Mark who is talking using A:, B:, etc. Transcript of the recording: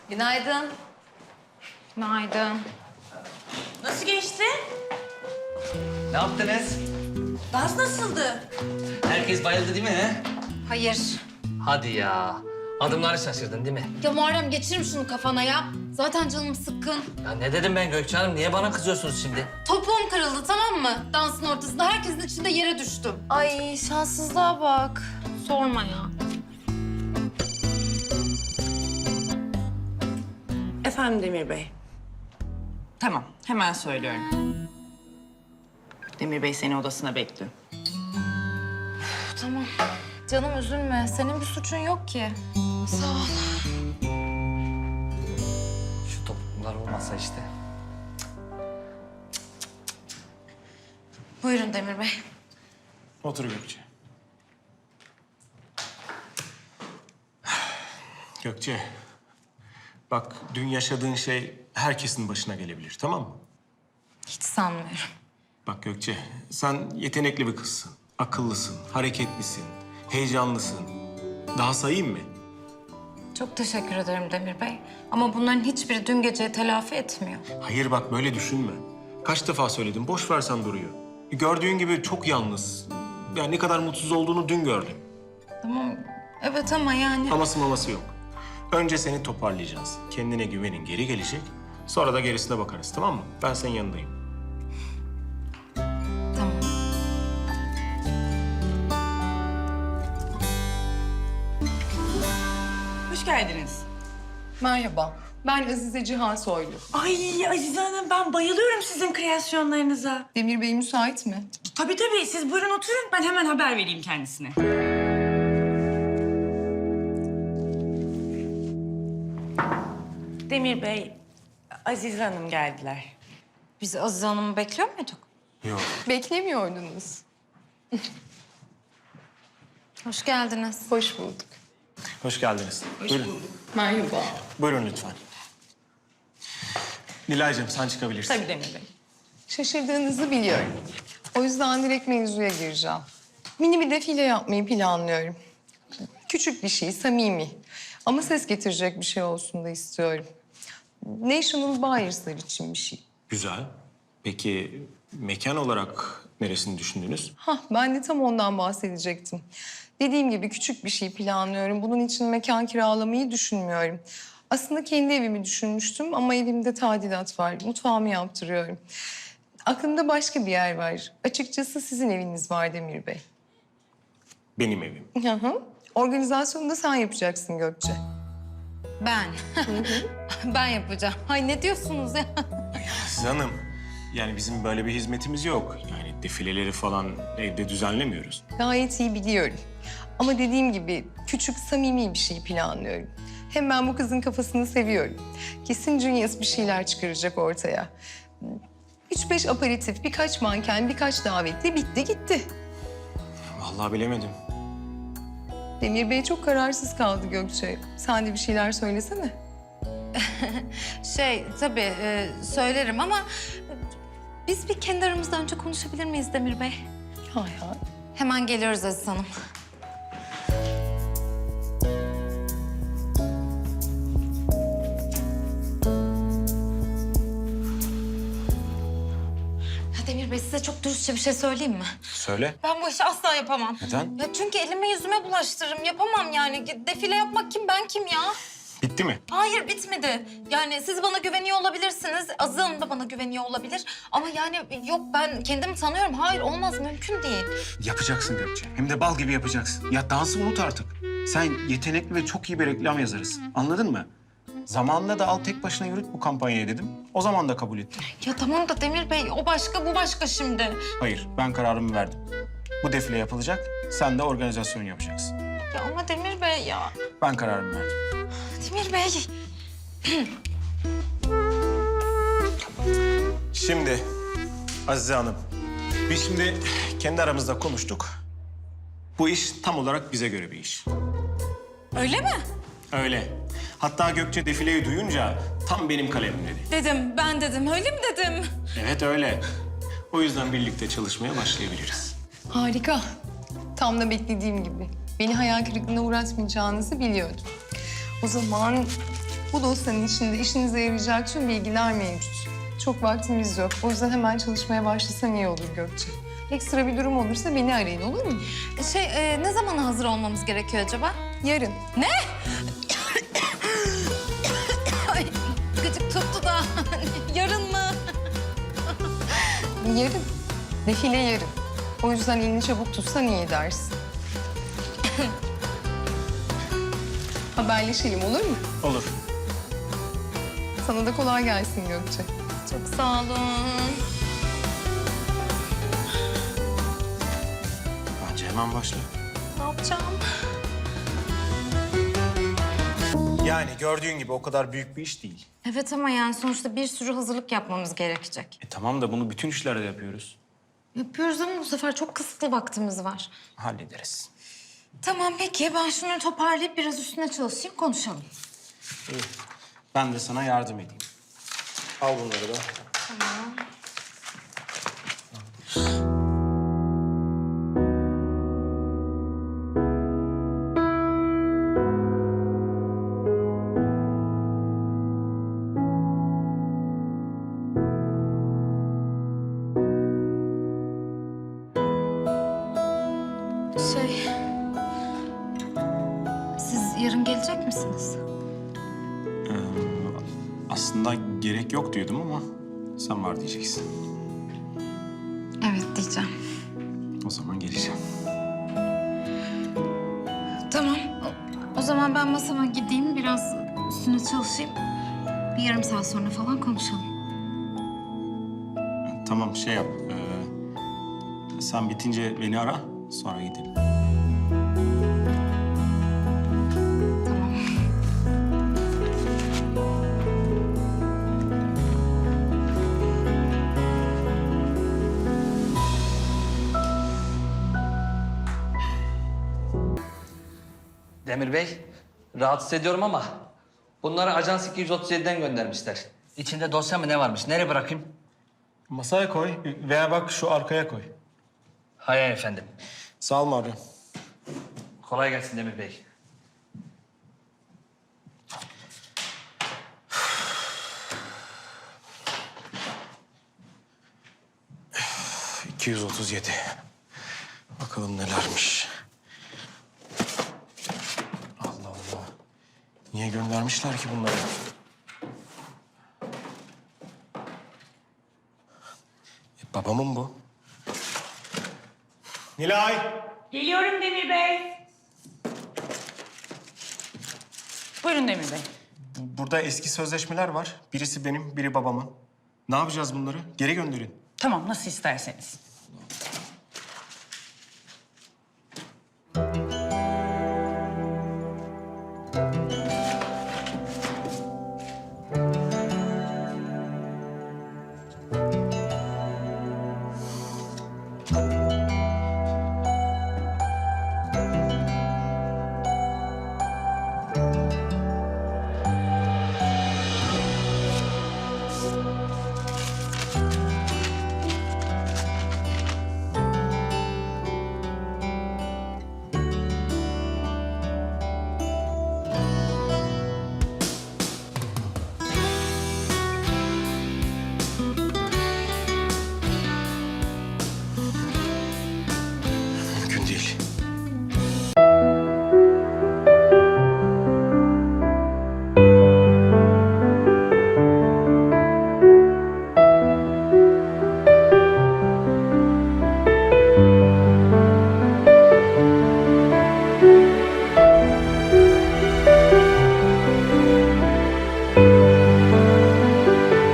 A: Günaydın.
B: Günaydın.
C: Nasıl geçti?
D: Ne yaptınız?
C: Dans nasıldı?
D: Herkes bayıldı değil mi he?
B: Hayır.
D: Hadi ya. Adımları şaşırdın değil mi?
B: Ya Muharrem geçirim şunu kafana ya. Zaten canım sıkkın.
D: Ya ne dedim ben Gökçe Hanım? Niye bana kızıyorsunuz şimdi?
B: Topuğum kırıldı, tamam mı? Dansın ortasında herkesin içinde yere düştüm.
A: Ay şanssızlığa bak.
B: Sorma ya.
C: Efendim Demir Bey. Tamam, hemen söylüyorum. Demir Bey seni odasına bekliyor.
A: Tamam. Canım üzülme. Senin bir suçun yok ki.
B: Sağ ol.
D: Şu topuklar olmasa işte.
A: Buyurun Demir Bey.
E: Otur Gökçe. Gökçe, bak dün yaşadığın şey herkesin başına gelebilir, tamam mı?
A: Hiç sanmıyorum.
E: Bak Gökçe, sen yetenekli bir kızsın. Akıllısın, hareketlisin, heyecanlısın. Daha sayayım mı?
A: Çok teşekkür ederim Demir Bey. Ama bunların hiçbiri dün geceyi telafi etmiyor.
E: Hayır bak böyle düşünme. Kaç defa söyledim, boş versen duruyor. Gördüğün gibi çok yalnız. Yani ne kadar mutsuz olduğunu dün gördüm.
A: Tamam. Evet ama yani...
E: Aması maması yok. Önce seni toparlayacağız. Kendine güvenin geri gelecek. Sonra da gerisine bakarız, tamam mı? Ben senin yanındayım.
A: Tamam.
C: Hoş geldiniz.
F: Merhaba, ben Azize Cihan Soylu.
C: Ay Azize Hanım, ben bayılıyorum sizin kreasyonlarınıza.
F: Demir Bey müsait mi?
C: Tabii tabii, siz buyurun oturun. Ben hemen haber vereyim kendisine. Demir Bey, Azize Hanım geldiler.
A: Biz Azize Hanım'ı bekliyor muyduk?
E: Yok.
F: Beklemiyordunuz.
A: Hoş geldiniz.
F: Hoş bulduk.
E: Hoş geldiniz. Buyurun.
F: Merhaba.
E: Buyurun lütfen. Nilay'cığım sen çıkabilirsin.
C: Tabii Demir Bey.
F: Şaşırdığınızı biliyorum. O yüzden direkt mevzuya gireceğim. Mini bir defile yapmayı planlıyorum. Küçük bir şey, samimi. Ama ses getirecek bir şey olsun da istiyorum. National Buyers'lar için bir şey.
E: Güzel. Peki mekan olarak neresini düşündünüz?
F: Ben de tam ondan bahsedecektim. Dediğim gibi küçük bir şey planlıyorum. Bunun için mekan kiralamayı düşünmüyorum. Aslında kendi evimi düşünmüştüm ama evimde tadilat var. Mutfağımı yaptırıyorum. Aklımda başka bir yer var. Açıkçası sizin eviniz var Demir Bey.
E: Benim evim.
F: Hı hı. Organizasyonu da sen yapacaksın Gökçe.
A: Ben. Ben yapacağım. Ay ne diyorsunuz ya?
E: Aziz Hanım, yani bizim böyle bir hizmetimiz yok. Yani defileleri falan evde düzenlemiyoruz.
F: Gayet iyi biliyorum. Ama dediğim gibi küçük, samimi bir şey planlıyorum. Hem ben bu kızın kafasını seviyorum. Kesin Junius bir şeyler çıkaracak ortaya. 3-5 aperatif, birkaç manken, birkaç davetli bitti gitti.
E: Vallahi bilemedim.
F: Demir Bey çok kararsız kaldı Gökçe. Sen de bir şeyler söylesene.
A: Tabii söylerim ama... Biz bir kendi aramızda önce konuşabilir miyiz Demir Bey?
F: Hay hay.
A: Hemen geliyoruz Aziz Hanım. Ya Demir Bey size çok dürüstçe bir şey söyleyeyim mi?
E: Söyle.
A: Ben bu işi asla yapamam.
E: Neden?
A: Ya çünkü elime yüzüme bulaştırırım. Yapamam yani. Defile yapmak kim, ben kim ya?
E: Bitti mi?
A: Hayır bitmedi. Yani siz bana güveniyor olabilirsiniz. Azize Hanım da bana güveniyor olabilir. Ama yani yok ben kendimi tanıyorum. Hayır olmaz mümkün değil.
G: Yapacaksın Gökçe. Hem de bal gibi yapacaksın. Ya dansı unut artık. Sen yetenekli ve çok iyi bir reklam yazarısın. Anladın mı? Zamanında da al tek başına yürüt bu kampanyayı dedim. O zaman da kabul ettin.
A: Ya tamam da Demir Bey o başka bu başka şimdi.
G: Hayır, ben kararımı verdim. Bu defile yapılacak, sen de organizasyon yapacaksın.
A: Ya ama Demir Bey ya.
G: Ben kararımı verdim.
A: Demir Bey.
E: Şimdi Azize Hanım, biz şimdi kendi aramızda konuştuk. Bu iş tam olarak bize göre bir iş.
A: Öyle mi?
E: Öyle. Hatta Gökçe defileyi duyunca tam benim kalemim dedi.
A: Dedim ben dedim öyle mi dedim?
E: Evet öyle. O yüzden birlikte çalışmaya başlayabiliriz.
F: Harika. Tam da beklediğim gibi. Beni hayal kırıklığına uğratmayacağınızı biliyordum. O zaman Bu dosyanın içinde işinize yarayacak tüm bilgiler mevcut. Çok vaktimiz yok. O yüzden hemen çalışmaya başlasan iyi olur Gökçe. Ekstra bir durum olursa beni arayın, olur mu?
A: Ne zamana hazır olmamız gerekiyor acaba?
F: Yarın.
A: Ay, gıcık tuttu da. Yarın mı?
F: Yarın. Defile yarın. O yüzden elini çabuk tutsan iyi dersin. Haberleşelim, olur mu?
E: Olur.
F: Sana da kolay gelsin Gökçe.
A: Çok sağ olun.
E: Bence hemen başla.
A: Ne yapacağım?
E: Yani gördüğün gibi o kadar büyük bir iş değil.
A: Evet ama yani sonuçta bir sürü hazırlık yapmamız gerekecek.
G: Tamam da bunu bütün işlerde yapıyoruz.
A: Yapıyoruz ama bu sefer çok kısıtlı vaktimiz var.
G: Hallederiz.
A: Tamam peki ben şunu toparlayıp biraz üstüne çalışayım konuşalım.
G: Ben de sana yardım edeyim.
E: Al bunları da.
A: Siz yarın gelecek misiniz?
E: Aslında gerek yok diyordum ama sen var diyeceksin.
A: Evet diyeceğim.
E: O zaman geleceğim.
A: Tamam. O zaman ben masama gideyim biraz üstüne çalışayım. Bir yarım saat sonra falan konuşalım.
E: Tamam şey yap. Sen bitince beni ara sonra gidelim.
A: Tamam.
D: Demir Bey, rahatsız ediyorum ama bunları Ajans 237'den göndermişler. İçinde dosya mı ne varmış? Nereye bırakayım?
E: Masaya koy veya bak şu arkaya koy.
D: Hayır efendim.
E: Sağ ol Mario.
D: Kolay gelsin Demir Bey.
E: Üf, 237. Bakalım nelermiş. Allah Allah. Niye göndermişler ki bunları? Babamın bu. Nilay!
C: Geliyorum Demir Bey. Buyurun Demir Bey.
E: Burada eski sözleşmeler var. Birisi benim, biri babamın. Ne yapacağız bunları? Geri gönderin.
C: Tamam, nasıl isterseniz.